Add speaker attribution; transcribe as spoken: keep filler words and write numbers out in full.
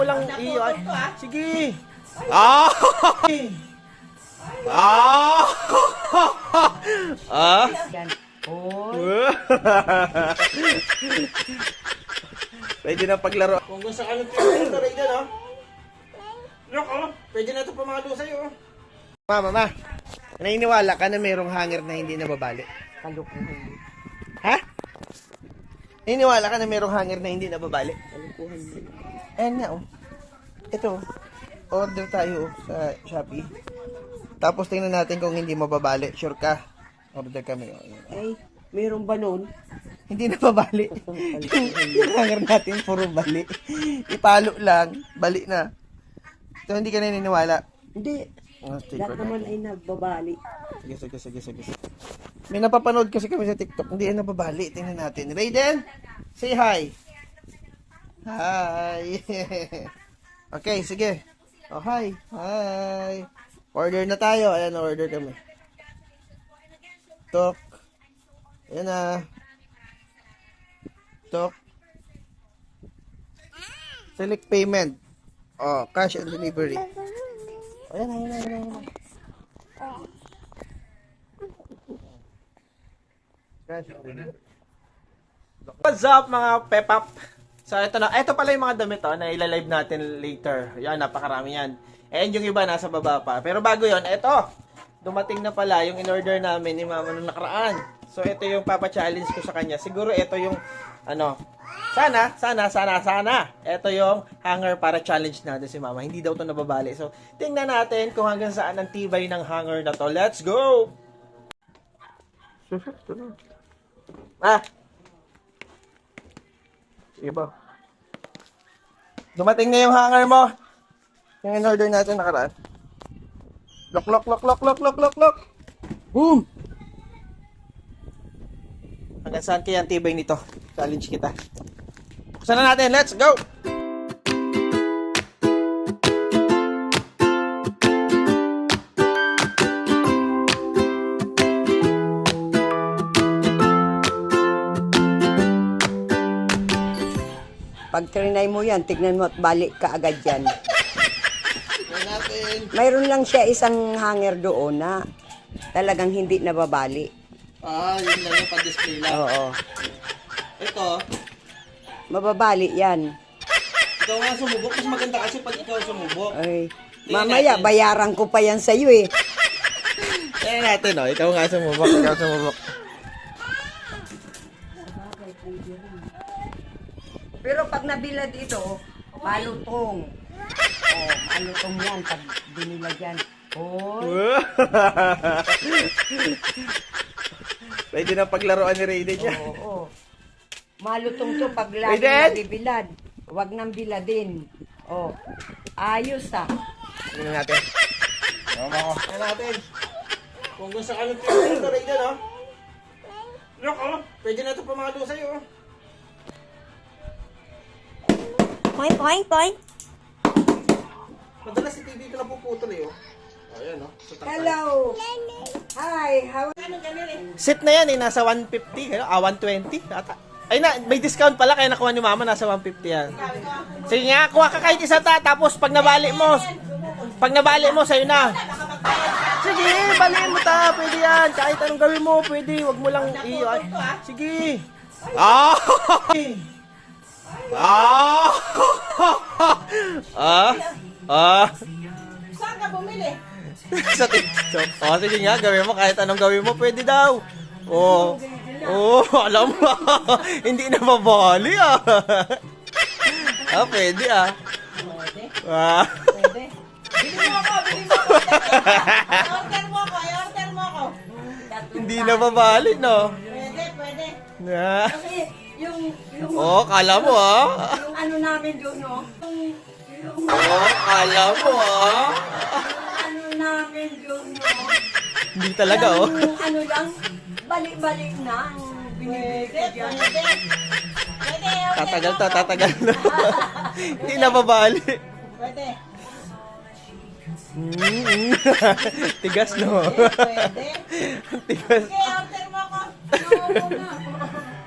Speaker 1: Walang iyo. Sige. Ah! Ah! Ah! Pwede na paglaro. Kung gusto ka ng ito, Raiden, oh. Look, oh. Pwede na ito pamalo sa'yo, oh. Mama, ma. Naniniwala ka na mayroong hanger na hindi nababali?
Speaker 2: Kalukuhan.
Speaker 1: Ha? Naniniwala ka na mayroong hanger na hindi nababali?
Speaker 2: Kalukuhan.
Speaker 1: Ayan nga, oh. Ito, order tayo oh, sa Shopee. Tapos tingnan natin kung hindi mababali. Sure ka? Order kami. Oh.
Speaker 2: Ay, meron ba nun?
Speaker 1: Hindi nababali. Yung hanger natin, puro bali. Ipalo lang, bali na. So, hindi ka naniniwala.
Speaker 2: Hindi.
Speaker 1: Oh,
Speaker 2: Lahat naman ay nagbabali.
Speaker 1: Sige, sige, sige, sige. May napapanood kasi kami sa TikTok. Hindi yan nababali. Tingnan natin. Raiden, say hi. Hi. Okay, sige. Oh, hi. Hi. Order na tayo. Ayan, order kami. Tok. Ayan na. Tok. Select payment. Oh, cash and delivery. Ayan, ayan, ayan, ayan. What's up mga pepap? So ito na, ito pala yung mga damit oh, na ilalive natin later. Yan, napakarami yan. And yung iba nasa baba pa. Pero bago yon, ito. Dumating na pala yung in-order namin ni Mama nung nakaraan. So ito yung papa-challenge ko sa kanya. Siguro ito yung ano, sana, sana, sana, sana. Ito yung hanger para challenge natin si Mama. Hindi daw to nababali. So tingnan natin kung hanggang saan ang tibay ng hanger na to. Let's go! Ah! Sige ba? Dumating na yung hanger mo. Yung in-order natin nakaraan. Lock, lock, lock, lock, lock, lock, lock, lock. Boom! Hanggang saan kaya ang tibay nito? Challenge kita. Buksan na natin. Let's go!
Speaker 2: Pag trinay mo yan, tignan mo at balik ka agad yan.
Speaker 1: Tignan natin.
Speaker 2: Mayroon lang siya isang hanger doon na talagang hindi nababali.
Speaker 1: Ah, yun lang yung pa-display lang.
Speaker 2: Oo.
Speaker 1: Ito,
Speaker 2: Mababali yan.
Speaker 1: ikaw nga sumubok. Mas maganda kasi pag ikaw sumubok.
Speaker 2: Ay,
Speaker 1: Tingnan
Speaker 2: mamaya,
Speaker 1: natin.
Speaker 2: bayaran ko pa yan sa'yo eh.
Speaker 1: Tingnan natin, oh. Ikaw nga sumubok. Ikaw sumubok.
Speaker 2: Pero pag nabila dito, malutong. Oh, malutong yan pag binila dyan. Oh,
Speaker 1: Pwede na paglaruan ni Raiden niya.
Speaker 2: oo. Oh, malutong to pag lagi
Speaker 1: Raiden!
Speaker 2: nabibilad. Huwag nang biladin. Oh, ayos ah.
Speaker 1: Tingnan natin. Tama ko. Tingnan natin. Kung gusto ka ng ito, Raiden, oh. Look, oh. Pwede na ito pamalo sa'yo, oh.
Speaker 3: Point, point, point.
Speaker 1: Madalas si T V ito napuputol, eh, oh. Ayan, oh. Sa takay.
Speaker 2: Hello. Hi, how
Speaker 1: Set na yan, eh. Nasa one fifty. Kaya, ah, one twenty. Ata. Ay na, may discount pala. Kaya nakuha ni Mama. Nasa one fifty yan. Sige nga, kuha ka kahit isa ta. Tapos, pag nabali mo, pag nabali mo, sa'yo na. Sige, baliin mo ta. Pwede yan. Kahit anong gawin mo, pwede. Huwag mo lang iyo. Ay, sige. Ah! Ah! Ah! Ah!
Speaker 3: Saan ka bumili?
Speaker 1: Sa TikTok. Oh, sige nga, gawin mo kahit anong gawin mo, pwede daw. Oh. Oh, alam mo. Hindi na mabali ah. Ah, pwede ah.
Speaker 3: Pwede.
Speaker 1: Ah.
Speaker 3: Pwede. Bili mo ako, bili mo ako. I-order mo ako, i-order mo ako.
Speaker 1: Hindi na mabali, no?
Speaker 3: Pwede, pwede.
Speaker 1: Ah.
Speaker 2: Kasi yung, yung,
Speaker 1: Oh, kala mo ah.
Speaker 2: yung ano namin doon, no? Yung, yung
Speaker 1: Oh, kala mo ah.
Speaker 2: ano namin doon, no?
Speaker 1: Hindi talaga oh.
Speaker 2: Yung ano lang, balik-balik na ang binibili
Speaker 3: Pwede,
Speaker 2: ko dyan.
Speaker 3: pwede. Pwede, i-order
Speaker 1: Tatagal
Speaker 3: mo
Speaker 1: to,
Speaker 3: ako.
Speaker 1: tatagal to. Hindi na mabali.
Speaker 3: Pwede.
Speaker 1: Mm. Tigas no.
Speaker 3: Pwede.
Speaker 1: Tigas.
Speaker 3: Sige, order mo ako.
Speaker 2: Oo, oo, oo.